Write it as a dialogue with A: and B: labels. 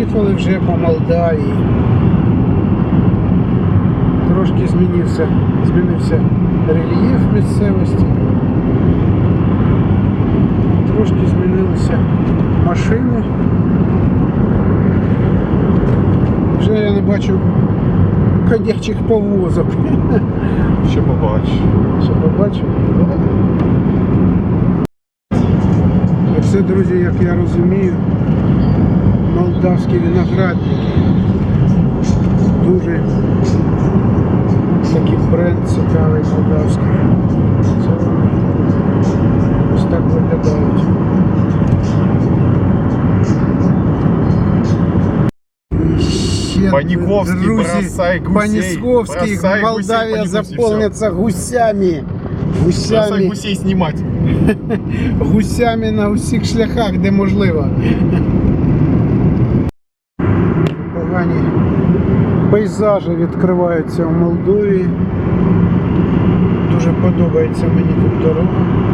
A: Приїхали вже по Молдавії. Трошки змінився рельєф місцевості. Трошки змінилися машини. Вже я не бачу ходячих повозок.
B: Ще побачу.
A: Ще побачу? Оце, друзі, як я розумію, молдавські виноградники. Дуже такий бренд цікавий молдавський. Це вони ось так виглядають.
B: Паниковский, бросай гусей.
A: Паниковский,
B: Бросай
A: Молдавия
B: гусей,
A: заполнится гусями.
B: Бросай гусей снимать.
A: Гусями на усіх шляхах, де можливо. Погані пейзажі відкриваються в Молдові. Дуже подобається мені тут дорога.